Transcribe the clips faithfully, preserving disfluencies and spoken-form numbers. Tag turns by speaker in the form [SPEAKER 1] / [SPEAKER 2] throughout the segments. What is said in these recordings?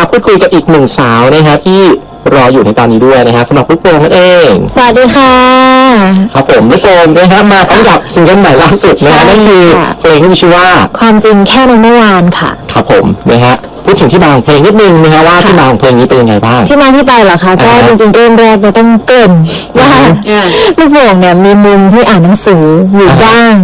[SPEAKER 1] พูดคุยกับอีกหนึ่งสาวนะครับที่รออยู่ในตอนนี้ด้วยนะฮะสำหรับลูกโป่งนั่นเอง
[SPEAKER 2] สวัสดีค่ะ
[SPEAKER 1] ครับผมลูกโป่งนะครับมาพร้อมกับซิงเกิลใหม่ล่าสุดนะฮะนั่นคือเพลงที่มีชื่อว่า
[SPEAKER 2] ความจริงแค่ในเมื่อวานค่ะ
[SPEAKER 1] ครับผมนะฮะพูดถึงที่มาของเพลงนิดนึงนะฮะว่าที่มาของเพลงนี้เป็นยังไงบ้าง
[SPEAKER 2] ที่มาที่ไปเหรอคะก็จริงๆเริ่มแรกเราต้องเกริ่นว่าลูกโป่งเนี่ยมีมุมที่อ่านหนังสืออยู่บ้าง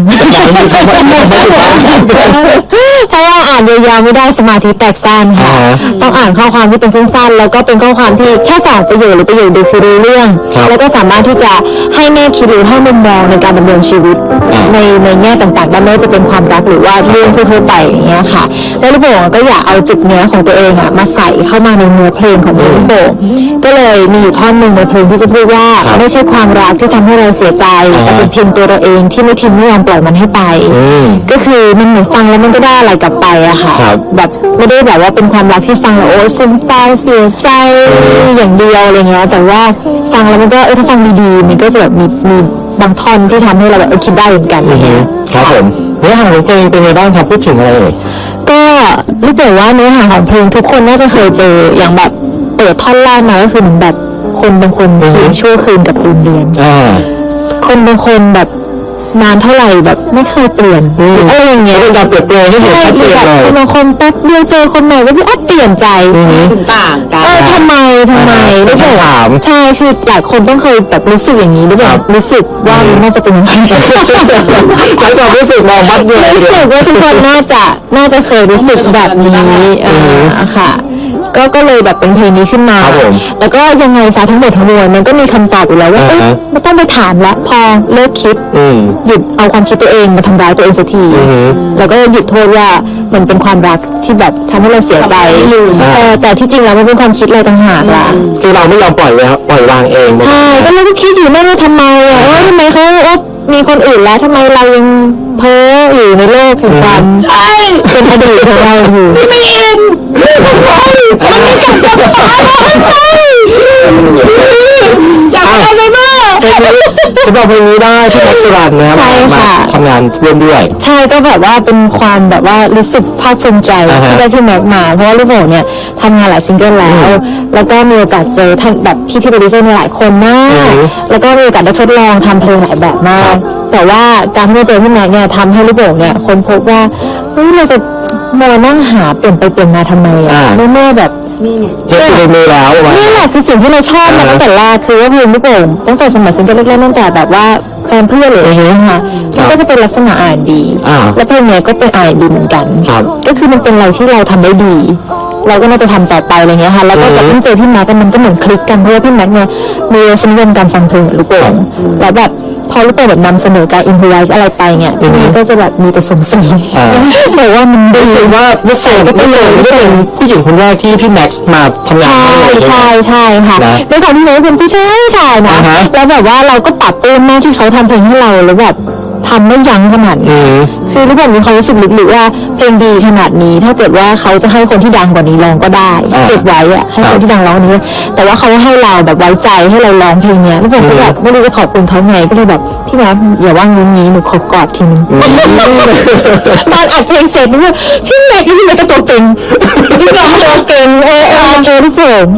[SPEAKER 2] เพราะว่าอ่านยาวๆไม่ได้สมาธิแตกสั้นค่ะต้องอ่านข้อความที่เป็นสั้นๆแล้วก็เป็นข้อความที่แค่สองประโยคหรือประโยคเดียวคือรู้เรื่องแล้วก็สามารถที่จะให้แง่คิดหรือให้มุมมองในการดำเนินชีวิตในในแง่ต่างๆไม่ว่าจะเป็นความรักหรือว่าเรื่องทั่วๆไปอย่างเงี้ยค่ะแล้วลูกโป่งก็อยากเอาจุดเนื้อของตัวเองอะมาใส่เข้ามาในเนื้อเพลงของลูกโป่งก็เลยมีอยู่ท่อนหนึ่งในเพลงที่จะพูดว่าไม่ใช่ความรักที่ทำให้เราเสียใจแต่เป็นเพียงตัวเราเองที่ไม่ทิ้งไม่ยอมปล่อยมันให้ไปก็คือมันเหมือนฟังแล้วมันก็ได้อะไรกลับไปอะค่ะแบบไม่ได้แบบว่าเป็นความรักที่ฟังแล้วโอ๊ยฟุ้งซ่านเสียใจอย่างเดียวอะไรเงี้ยแต่ว่าฟังแล้วมันก็เออถ้าฟังดีๆมันก็จะแบบมีมีบางท่อนที่ทำให้เราแบบเออคิดได้เหมือนกันอะไรเงี้ย
[SPEAKER 1] ครับผมเนื้อหาของเพลงเป็นไงบ้างครับพูดถึงอะไรเอ่ย
[SPEAKER 2] ก็รู้สึกว่าเนื้อหาของเพลงทุกคนน่าจะเคยเจออย่างแบบเปิดท่อนแรกมาก็คือเหมือนแบบคนบางคนคิดชั่วคืนกับลืมเรียนคนบางคนแบบนานเท่าไหร่แบบไม่เคยเปลี่ยนอะไรอย่างเงี้ย
[SPEAKER 1] เป็นการเปลี่ยนแปลงที่เห็นชัดเจนเลย
[SPEAKER 2] คนบางคนแป๊บเดียวเจอคนใหม่ก็พี่อ๊อฟเปลี่ยนใจ
[SPEAKER 3] ต่างกัน
[SPEAKER 2] เออทำไมทำไมรู้สึกใช่คือหลายคนต้องเคยแบบรู้สึกอย่างนี้หรือเปล่ารู้สึกว่ามันน่าจะเป็นอย่างนี้
[SPEAKER 1] ใช้ความรู้สึกมองมัดเลย
[SPEAKER 2] รู้สึกว่าทุกคนน่าจะน่าจะเคยรู้สึกแบบนี้เออค่ะก็ก็เลยแบบเป็นเพลงนี้ขึ้นมาแล้วก็ยังไงซะทั้งหมดทั้งมวลมันก็มีคำตอบอยู่แล้วว่าเอ๊ะไม่ต้องไปถามละพอเลิกคิดหยุดเอาความคิดตัวเองมาทำร้ายตัวเองสักทีแล้วก็หยุดโทษว่ามันเป็นความรักที่แบบทำให้เราเสียใจแต่ที่จริงแล้วมันเป็นความคิดเราต่างหากล่ะ
[SPEAKER 1] คือเราไม่ยอมปล่อยเลยครับปล่อยวางเอง
[SPEAKER 2] ใช่ก็เราก็คิดอยู่นั่นว่าทำไมอ่ะว่าทำไมเขาว่ามีคนอื่นแล้วทำไมเรายังเพ้ออยู่ในโลกแห่งความเป็นอดีตของเราอยู่
[SPEAKER 3] ไม่เอ็นมันไม่มันไม่กลับกับฟ้าใช่อยากอะไรไปมาก
[SPEAKER 1] สำหรับเพลงนี้ได้ที่นักสรันนะครับมาทำงานร่วมด้วย
[SPEAKER 2] ใช่ก็แบบว่าเป็นความแบบว่ารู้สึกภาคภูมิใจที่ได้พี่แม็กมาเพราะว่าลูกโป่งเนี่ยทำงานหลายซิงเกิลแล้วแล้วก็มีโอกาสเจอท่านแบบพี่พี่โปรดิวเซอร์หลายคนมากแล้วก็มีโอกาสได้ทดลองทำเพลงหลายแบบมากแต่ว่าการที่เราเจอพี่แม็กเนี่ยทำให้ลูกโป่งเนี่ยคนพบว่าเฮ้ยเราจะมานั่งหาเปลี่ยนไปเปลี่ยนมาทำไมอ่ะเมื่อแบบ
[SPEAKER 1] นี่เฮ็ดในมือแล้ว
[SPEAKER 2] นี่แหละคือสิ่งที่เราชอบมาตั้งแต่แรกคือว่าเพลงลูกโป่งตั้งแต่สมัยซิงเกิลแรกๆตั้งแต่แบบว่าแฟนเพื่อนหรืออะไรเงี้ยค่ะมันก็จะเป็นลักษณะอ่านดีและเพลงเนี้ยก็เป็นอ่านดีเหมือนกันก็คือมันเป็นอะไรที่เราทำได้ดีเราก็น่าจะทำต่อไปอะไรเงี้ยค่ะแล้วก็แบบเพิ่งเจอพี่แม็กมันก็เหมือนคลิกกันเพราะว่าพี่แม็กเนี่ยมีรสนิยมการฟังเพลงลูกโป่งแล้วแบบพอลูกโป่งแบบนำเสนอการอินพไวส์อะไรไปเนี่ยมันก็จะแบบมีแต่ส่งเสริมแต่ว่ามัน
[SPEAKER 1] รู้สึกว่ารู้สึกก็เป็นเลยไม่เป็นผู้หญิงคนแรกที่พี่แม็กซ์มาทำงาน
[SPEAKER 2] ใช่ใช่ใช่ค่ะด้วยความที่เขาเป็นผู้ชายชายนะแล้วแบบว่าเราก็ปรับปรื้มมากที่เขาทำเพลงให้เราแล้วแบบทำไม่ยั้งขนาดนี้คือลูกโป่งมีความรู้สึกลึกๆว่าเพลงดีขนาดนี้ถ้าเกิดว่าเขาจะให้คนที่ดังกว่านี้ร้องก็ได้เก็บไว้อะให้คนที่ดังร้องนี้แต่ว่าเขาให้เราแบบไว้ใจให้เราร้องเพลงเนี้ยลูกโป่งก็แบบไม่รู้จะขอบคุณเขาไงก็เลยแบบพี่แม็กอย่าว่างุ้นงี้หนูขอกอดทีนึงตอนอัดเพลงเสร็จนี่พี่แม็กพี่แม็กก็ตัวเก่งพี่ร้องตัวเก่งเออเออเออลูกโป่ง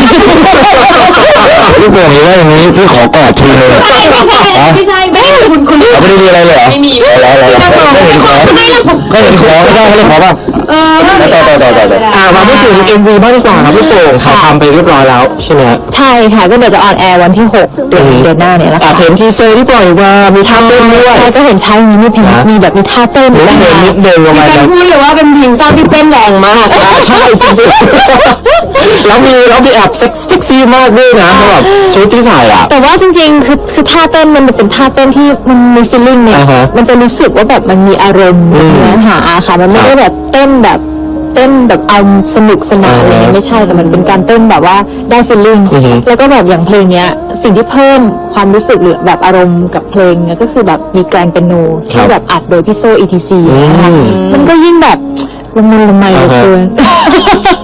[SPEAKER 1] ลูกโป่งนี่ว่าอย่างนี้พี่ขอกอดทีนึง
[SPEAKER 3] ไม่ใช่ไม่ใช่ไม่ใช่คุณคุณ
[SPEAKER 1] ไม่ได้มีอะไรเลยเหรอ
[SPEAKER 3] ไม่มี
[SPEAKER 1] แล้วแล้วก็เห็นของก็เห็นของไม่ได้ก็เลยขอป่ะเออต่อต่อต่อต่ออ่ามาพูดถึง เอ็ม วี บ้างดีกว่าครับลูกโป่งถ่ายทำไปเรียบร้อยแล้วใช่ไหม
[SPEAKER 2] ใช่ค่ะก็เดี๋ยวจะออนแอร์วันที่หกเดือนเดือนหน้าเนี่ยแหละค่ะ
[SPEAKER 1] เห็นทีเซอร์ที่ปล่อยมามีท่าเต้นด้วย
[SPEAKER 2] ใช่ก็เห็นใช้อย่างนี้มีเพลงมีแบบมีท่าเต้น
[SPEAKER 1] ด้วยนะนิดเดินลงมา
[SPEAKER 3] แล้วพูดเลยว่าเป็นเพลงเศร้าที่เต้นแรงมาก
[SPEAKER 1] ใช่จริงๆแล้วมีแล้วมีแอบเซ็กซี่มากด้วยนะแบบชุดที่ใส่อ่ะ
[SPEAKER 2] แต่ว่าจริงๆคือคือท่าเต้นมันเป็นท่าเต้นที่มันมีฟีลลิ่งเนี่ยมันจะรู้สึกว่าแบบมันมีอารมณ์เนื้อหาค่ะมันไม่ได้แบบเต้นแบบเต้นแบบเอาสนุกสนานอะไรไม่ใช่แต่มันเป็นการเต้นแบบว่าได้ฟีลลิ่งแล้วก็แบบอย่างเพลงเนี้ยสิ่งที่เพิ่มความรู้สึกหรือแบบอารมณ์กับเพลงเนี่ยก็คือแบบมีแกรนเปียโนที่แบบอัดโดยพี่โซ อี ที ซี นะคะมันก็ยิ่งแบบละมุนละไมเหลือเกิน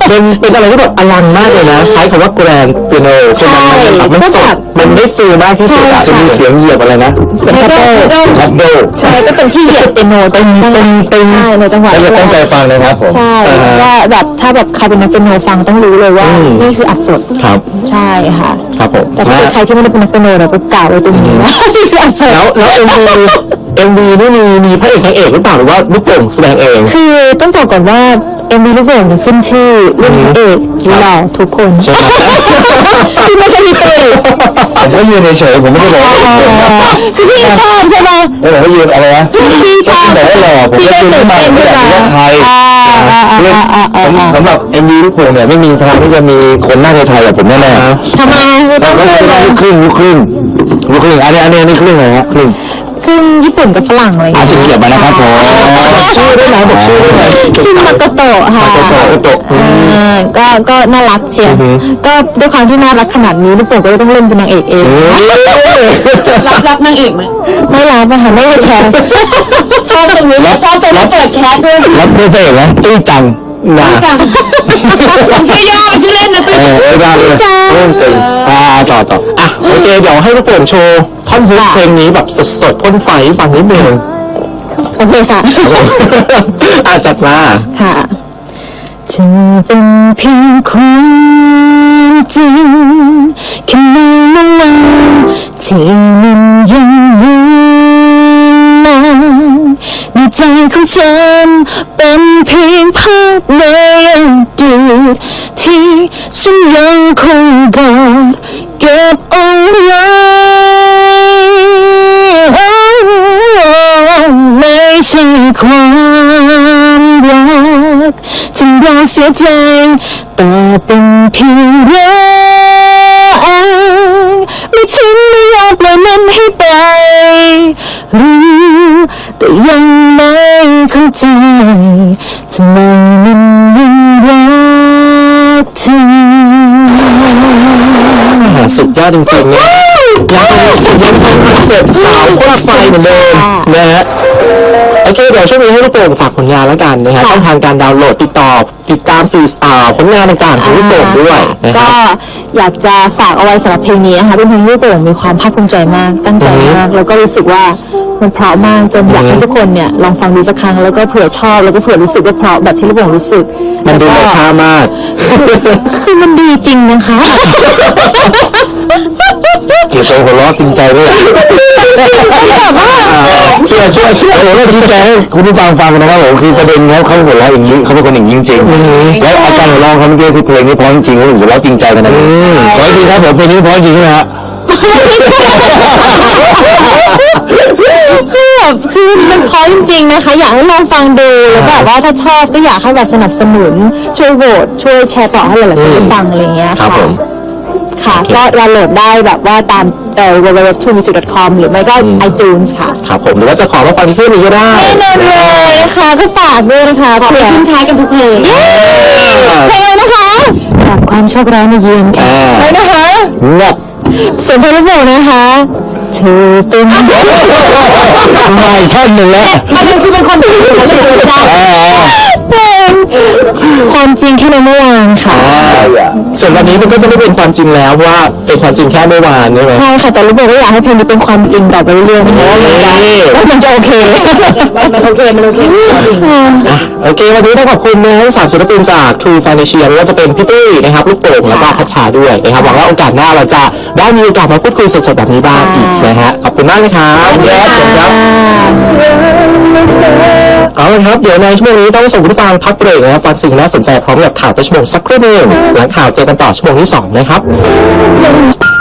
[SPEAKER 1] เป็นเป็นอะไรที่แบบอลังมากเลยนะใช้คำว่าแกรนด์เปียโนใช่ไหมมันมันสดมันได้ฟีลมากที่สุดอะจะมีเสียงเหยียบอะไรนะเสียงคัพโดคัพโด
[SPEAKER 2] ใช่ก็เป็นที่เหยียบเปียโนตึงตึงตึงใช่ในจังหวะ
[SPEAKER 1] แล้วตั้งใจฟังนะครับผม
[SPEAKER 2] ใช่ว่าแบบถ้าแบบใครเป็นนักเปียโนฟังต้องรู้เลยว่านี่คืออัดสด
[SPEAKER 1] ครับ
[SPEAKER 2] ใช่ค่ะ
[SPEAKER 1] ครับผม
[SPEAKER 2] แต่ถ้าเป็นใครที่ไม่ได้เป็นนักเปียโนเราก็กล่าวไว้ตรงนี้ว่าอัดสด
[SPEAKER 1] แล้วแล้วเอ็มวีเอ็มวีนี่มีมีพระเอกนางเอกหรือเปล่าหรือว่าลูกโป่งแสดงเอง
[SPEAKER 2] คือต้องบอกก่อนว่าเอ็มวีลูกโป่งเนี่ยขึ้นชื่อเรื่องพระเอกหล่อทุกคน
[SPEAKER 1] ใช่ไหม
[SPEAKER 2] ที่ไม่ใช่พี่ตุ้ย
[SPEAKER 1] ผมก็ยืนเฉยๆผมไม่ได้บอกว่า
[SPEAKER 2] คือพี่ชอบใช่ไหม
[SPEAKER 1] ไม่บอกว่ายืนอะไรนะ
[SPEAKER 2] พี่ชอบ
[SPEAKER 1] บอกว่าหล่อผม
[SPEAKER 2] พี่
[SPEAKER 1] ก็
[SPEAKER 2] ก็
[SPEAKER 1] ยืน
[SPEAKER 2] ตื่น
[SPEAKER 1] มา
[SPEAKER 2] เต้น
[SPEAKER 1] ไม่
[SPEAKER 2] ขึ้น
[SPEAKER 1] อยาก
[SPEAKER 2] มา
[SPEAKER 1] รู้ว่าใคร
[SPEAKER 2] อ่าอ่าอ่าอ่าอ่าอ่า
[SPEAKER 1] สำหรับเอ็มวีลูกโป่งเนี่ยไม่มีทางที่จะมีคนหน้าไทยแบบผมแน่ๆ
[SPEAKER 2] ทำไมไม่
[SPEAKER 1] เรา
[SPEAKER 2] ต้อง
[SPEAKER 1] ก็
[SPEAKER 2] พูด
[SPEAKER 1] จะ
[SPEAKER 2] เล
[SPEAKER 1] ได้
[SPEAKER 2] ย
[SPEAKER 1] ลูกครึ่งลูกครึ่งลูกครึ่งอันนี้อันนี้อันนี้ครึ่งอะไรฮะครึ่ง
[SPEAKER 2] ครึ่งญี่ปุ่นกับฝรั่งอะไรอย่าง
[SPEAKER 1] อาจ
[SPEAKER 2] เงี้ย
[SPEAKER 1] จะเกี่ยวมานะครับผมชื่อด้วยนะบอกชื่อด้วยนะ
[SPEAKER 2] ชื่อมาโกโตะค่ะ
[SPEAKER 1] มาโกโตะโตะ
[SPEAKER 2] อ่าก็ก็น่ารักเชียวก็ด้วยความที่น่ารักขนาดนี้ลูกโป่งก็เลยต้องเล่นเป็นนางเอกเอง
[SPEAKER 3] รับรับนางเอกไหม
[SPEAKER 2] ไม่รับอะค่ะไม่ได้แคส
[SPEAKER 3] ชอบตรงนี้ชอบตรงที่เปิดแคสด้วย
[SPEAKER 1] รับเพื่อนเอกนะตุ้ยจังนะ
[SPEAKER 3] จังชื่อย่อเป็นชื่อเล่นนะ
[SPEAKER 1] เอ
[SPEAKER 3] ตุ้ย
[SPEAKER 1] อไม่ได้เลยเริ่มสิอ่าต่อต่ออ่ะโอเคเดี๋ยวให้ลูกโป่งโชว์ท่อนฮุกเพลงนี้แบบสดๆพ่นไฟฟังนิดนึง
[SPEAKER 2] โอเคค่ะ
[SPEAKER 1] อ่ะจัดมา
[SPEAKER 2] ค่ะจะเป็นเพียงความจริงแค่ในเมื่อวานที่มันยังยืนนานในใจของฉันเป็นเพียงภาพในอดีตที่ฉันยังคงกอดเก็บเอาไว้ไม่ใช่ความรักที่เราเสียใจแต่เป็นเพียงรักไม่ทิ้งไม่ยอมปล่อยมันให้ไปรู้แต่ยังไม่เข้าใจทำไมมันยังรักเธอ
[SPEAKER 1] สุดยอดจริงๆเนี่ยยังยังคงคอนเซ็ปต์สาวพ่นไฟเหมือนเดิมนะฮะโอเคเดี๋ยวช่วงนี้ให้ลูกโป่งฝากผลงานแล้วกันนะฮะช่องทางการดาวน์โหลดติดต่อติดตามสื่อสารผลงานต่างๆของลูกโป่งด้วยนะค
[SPEAKER 2] ก็
[SPEAKER 1] รับ
[SPEAKER 2] อยากจะฝากเอาไว้สำหรับเพลงนี้นะคะเป็นเพลงที่ลูกโป่งมีความภาคภูมิใจมากตั้งใจมากแล้วก็รู้สึกว่ามันเพราะมากจนอยากให้ทุกคนเนี่ยลองฟังดูสักครั้งแล้วก็เผื่อชอบแล้วก็เผื่อรู้สึกว่าเพราะแบบที่ลูกโป่งรู้สึก
[SPEAKER 1] มันดู
[SPEAKER 2] แล้ว
[SPEAKER 1] มี
[SPEAKER 2] ก็
[SPEAKER 1] ค่ามาก
[SPEAKER 2] คือมันดีจริงนะคะ
[SPEAKER 1] เกี่ยวกับหัวเราะจริงใจด้วยเชื่อเชื่อเชื่อโอ้โหชี้แจงให้คุณผู้ฟังฟังนะครับผมคือประเด็นแล้วเขาหัวเราะอย่างนี้เขาเป็นคนอย่างนี้จริงๆแล้วอาการหัวเราะเขาเมื่อกี้คือเพลงนี้เพราะจริงๆเขาหัวเราะจริงใจกันนะขออีกทีครับผมเพลงนี้เพราะจริงนะฮะ
[SPEAKER 2] คือแบบคือมันเพราะจริงๆนะคะ อยากให้ลองฟังดูแล้วแบบว่าถ้าชอบก็อยากให้แบบสนับสนุนช่วยโหวตช่วยแชร์ต่อให้หลายๆคนได้ฟังอะไรอย่างเงี้ย
[SPEAKER 1] ครับ
[SPEAKER 2] ค่ะ
[SPEAKER 1] ผม
[SPEAKER 2] ค่ะก็ดาวน์โหลดได้แบบว่าตามเอ่อ ดับเบิลยู ดับเบิลยู ดับเบิลยู ดอท ทู มิวสิก ดอท คอม หรือไม่ก็ iTunes ค่ะ
[SPEAKER 1] ครับผมหรือว่าจะขอมาฟังที่เพลงนี้ก็ได้
[SPEAKER 2] แน่นอนเลยค่ะก็ฝากด้วยนะคะเผื่อ
[SPEAKER 3] ทิ้งท้ายกันทุกเพลง
[SPEAKER 2] เพลงเลยนะคะแบบความโชคร้ายมาเยือนค่ะเลยนะคะ
[SPEAKER 1] งับ
[SPEAKER 2] ส่วนเพลงลูกโป่งนะคะเธอเป็น
[SPEAKER 1] มาอีกท่อนหนึ่งแล้ว
[SPEAKER 3] ประเด็นคือเป็นคนที่อยู่แล้วเลยได้
[SPEAKER 2] เพลงความจริงแค่ในเมื่อวานค่ะ
[SPEAKER 1] ส่วนวันนี้มันก็จะไม่เป็นความจริงแล้วเพราะว่าเป็นความจริงแค่เมื่อวานใช่ไหม
[SPEAKER 2] ใช่ค่ะแต่ลูกโป่งก็อยากให้เพลงนี้เป็นความจริงต่อไปเรื่อยๆนะคะว่ามันจะว่ามันจะโอเค
[SPEAKER 3] มันโอเคมันโอเค
[SPEAKER 1] อ่ะโอเควันนี้ต้องขอบคุณนะทั้งสามศิลปินจาก True Financial ไม่ว่าจะเป็นพี่ตุ้ยนะครับลูกโป่งแล้วก็พัชชาด้วยนะครับหวังว่าโอกาสหน้าเราจะได้มีโอกาสมาพูดคุยสดๆแบบนี้บ้างอีกนะฮะขอบคุณมากนะครับเดี๋ยวครับเอาละครับเดี๋ยวในชั่วโมงนี้ต้องส่งคุณผู้ฟังพักเบรกนะครับฟังสิ่งน่าสนใจพร้อมกับข่าวต้นชั่วโมงสักครู่หนึงหลังข่าวเจอกันต่อชั่วโมงที่สองนะครับ